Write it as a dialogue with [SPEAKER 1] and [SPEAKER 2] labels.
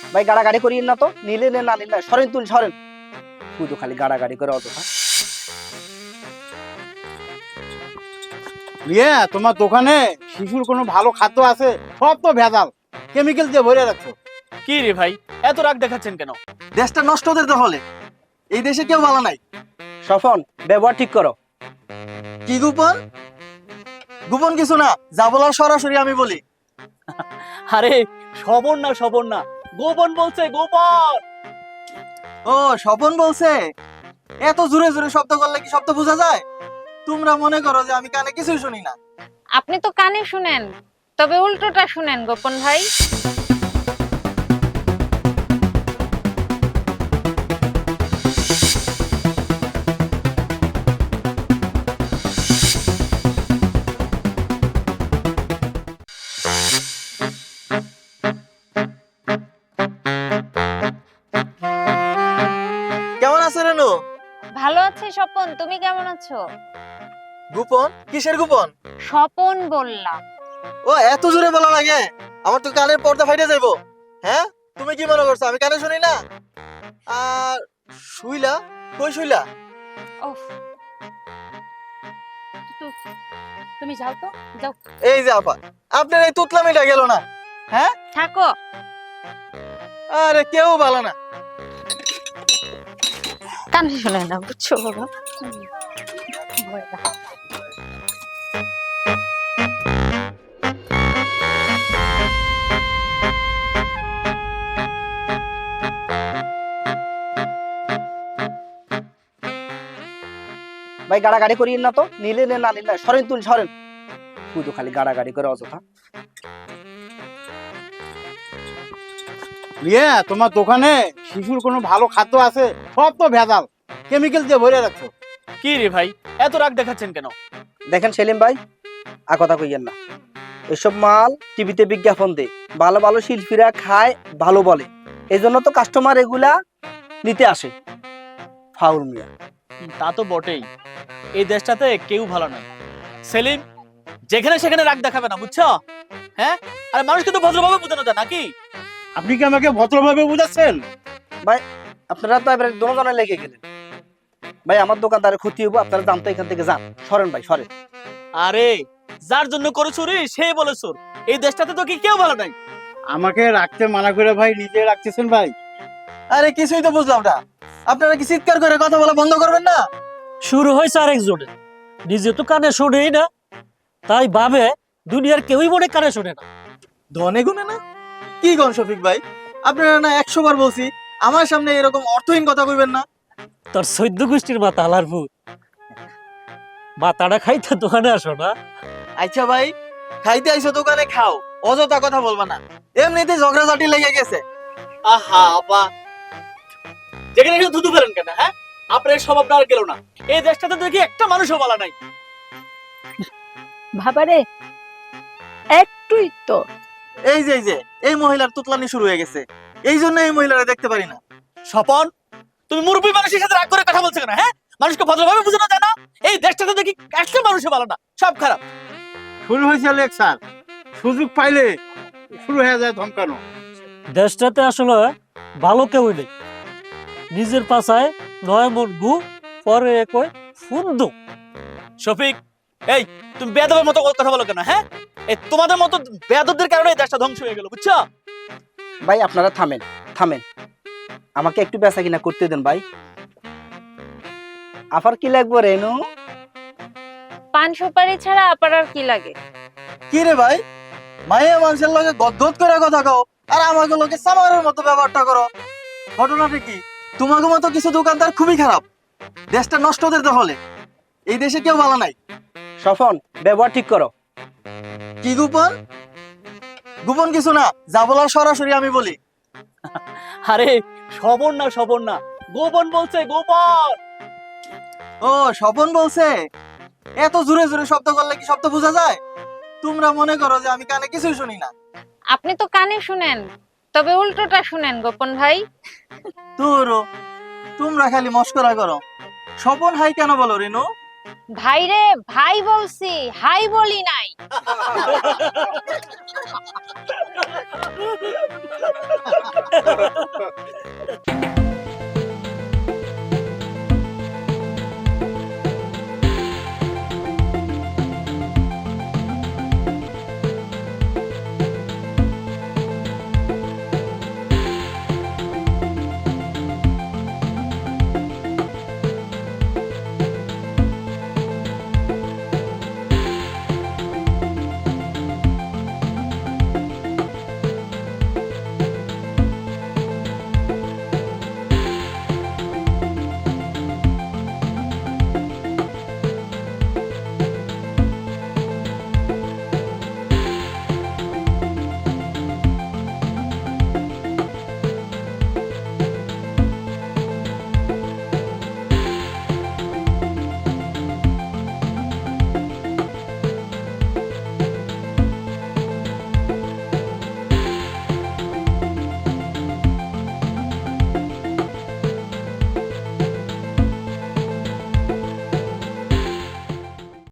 [SPEAKER 1] ভাই গাড়াগাড়ি করিয়েন না তো, নিলে নেন না নিলে না, সরেন তুল সরেন, শুধু খালি গাড়াগাড়ি করে অযথা।
[SPEAKER 2] তোমার দোকানে শিশুর কোনো ভালো খাদ্য আছে? সব তো ভেজাল, কেমিক্যাল দিয়ে ভরে রাখছো।
[SPEAKER 3] কি রে ভাই, এত রাগ দেখাচ্ছেন কেন?
[SPEAKER 4] দেশটা নষ্ট হতে হলে এই দেশে কেউ ভালো নাই।
[SPEAKER 1] স্বপন, ব্যবহার ঠিক করো।
[SPEAKER 4] কি গোপন? গোপন কিছু না, যা বলার সরাসরি আমি বলি।
[SPEAKER 3] আরে স্বপন না, গোপন বলছে, গোপন।
[SPEAKER 4] ও স্বপন বলছে? এত জোরে জোরে শব্দ করলে কি শব্দ বোঝা যায়? তোমরা মনে করো যে আমি কানে কিছুই শুনি না।
[SPEAKER 5] আপনি তো কানে শুনেন, তবে উল্টোটা শুনেন গোপন ভাই।
[SPEAKER 4] কেমন আছে রেনু?
[SPEAKER 5] ভালো আছে স্বপন, তুমি কেমন আছো?
[SPEAKER 4] গোপন? কিসের গোপন?
[SPEAKER 5] স্বপন বললাম।
[SPEAKER 4] ও এত জোরে বলা লাগে, আমার তো কানের পর্দা ফাইটে যাইবো। হ্যাঁ, তুমি কি মনে করছো আমি কানে শুনি না? আর শুইলা কই শুইলা?
[SPEAKER 5] ওফ, তুমি যাও তো, যাও।
[SPEAKER 4] এই যে আপা, আপনার এই তুতলামিটা গেল না। হ্যাঁ,
[SPEAKER 5] থাকো।
[SPEAKER 4] আরে কেউ ভালো না।
[SPEAKER 5] কানে শুনে না, বুঝছো বাবা?
[SPEAKER 1] ভাই গাড়াগাড়ি করিয়েন না তো, নিলে নেন না নিলে না, সরেন তুল সরেন, শুধু খালি গাড়াগাড়ি করে অযথা।
[SPEAKER 2] তোমার দোকানে শিশুর কোনো ভালো খাদ্য আছে? সব তো ভেজাল, কেমিক্যাল দিয়ে ভরে রাখছো।
[SPEAKER 3] কি রে ভাই, এত রাগ দেখাচ্ছেন কেন?
[SPEAKER 1] দেখেন সেলিম ভাই, কথা কইয়েন না, এসব মাল টিভিতে বিজ্ঞাপন দেয়, ভালো ভালো শিল্পীরা খায়, ভালো বলে, এই জন্য তো কাস্টমার এগুলা নিতে আসে। ফাউল মিয়া।
[SPEAKER 3] তা তো বটেই, এই দেশটাতে কেউ ভালো নয়। সেলিম, যেখানে সেখানে রাগ দেখাবে না, বুঝছো? হ্যাঁ, আর মানুষকে তো ভদ্রভাবে বোঝানো যায় নাকি?
[SPEAKER 2] আপনি কি আমাকে ভদ্রভাবে বুঝাচ্ছেন?
[SPEAKER 1] ভাই আপনারা তো এবারে দোনোজনে লেগে গেলেন। ভাই আমার দোকানদারের ক্ষতি হইব, আপনারা জানতো এখান থেকে যান, সরেন ভাই সরেন।
[SPEAKER 3] আরে যার জন্য করে চুরি সেই বলে চোর, এই দেশটাতে তো কি কেউ ভালো নাই।
[SPEAKER 2] আমাকে রাখতে মানা করে ভাই নিজে রাখতেছেন ভাই।
[SPEAKER 4] আরে কিছুই তো বুঝলাম না, আপনারা কি চিৎকার করে কথা বলা বন্ধ করবেন না?
[SPEAKER 6] শুরু হয়েছে আরেকজনের, নিজে তো কানে শোনেই না, তাই ভাবে দুনিয়ার কেউই মনে কানে শোনে না।
[SPEAKER 4] ধনে গুনে না? কি গন শফিক ভাই, আপনারা না 100 বার বলছি আমার সামনে এরকম অর্থহীন কথা কইবেন না।
[SPEAKER 6] তোর 14 গোষ্ঠীর মাথা আলার ভূত, মাথাটা খাইতে দোকানে আসো না।
[SPEAKER 4] আচ্ছা ভাই, খাইতে আইছো দোকানে খাও, অযথা কথা বলবা না, এমনিতে ঝগড়াঝাটি লেগে গেছে।
[SPEAKER 3] আহা আপা, যেখানে সেখানে ধুধু ফেলেন কেন? হ্যাঁ, আপনার স্বভাবটা আর গেল না। এই দেশটাতে দেখি একটা মানুষও বলা নাই।
[SPEAKER 7] ভাবারে একটুই তো।
[SPEAKER 4] এই যে এই মহিলার তুতলানি শুরু হয়ে গেছে, এই জন্য এই মহিলারা দেখতে পারি না।
[SPEAKER 3] স্বপন, তুমি মুরব্বী মানুষের সাথে রাগ করে কথা বলছো কেন? হ্যাঁ, মানুষকে ভদ্রভাবে বোঝানো যায় না? এই দেশটাতে দেখি একটা মানুষও ভালো না, সব খারাপ।
[SPEAKER 2] শুরু হয়েছে লেকচার, সুযোগ পাইলে শুরু হয়ে যায় ধমকানো।
[SPEAKER 6] দেশটাতে আসলে ভালো কেউই নেই, নিজের পাশায় নয় মন গু, পরে কই ফুন্দু।
[SPEAKER 3] শফিক, এই তুমি বেয়াদবের মতো কথা বলো কেন? হ্যাঁ, এই তোমাদের মতো বেয়াদবদের কারণে এই দেশটা ধ্বংস হয়ে গেল, বুঝছো?
[SPEAKER 1] ভাই আপনারা থামেন থামেন, আমাকে একটু বেচা কিনা করতে দেন ভাই। আফার কি লাগবে রেনু?
[SPEAKER 5] পান সুপারি ছাড়া আপার আর কি লাগে?
[SPEAKER 4] কি রে ভাই, মাইয়া মানুষের লগে গদগদ করে কথা কও, আর আমাকে লোকে সামারের মতো ব্যবহারটা করো। ঘটনাটা কি? তোমাকে মতো কিছু দোকানদার খুবই খারাপ, দেশটা নষ্ট হতে হলে এই দেশে কেউ ভালো নাই।
[SPEAKER 1] স্বপন, ব্যবহার ঠিক করো।
[SPEAKER 4] কি গোপন? গোপন কিছু না, যা বলার সরাসরি আমি বলি।
[SPEAKER 3] আরে স্বপন না, গোপন বলছে, গোপন।
[SPEAKER 4] ও স্বপন বলছে? এত জোরে জোরে শব্দ করলে কি শব্দ বোঝা যায়? তোমরা মনে করো যে আমি কানে কিছুই শুনি না।
[SPEAKER 5] আপনি তো কানে শুনেন, তবে উল্টোটা শুনেন গোপন ভাই।
[SPEAKER 4] তোমরা খালি মস্করা করো। স্বপন হাই কেন বলো রেনু?
[SPEAKER 5] ভাই রে ভাই বলছি, হাই বলি নাই।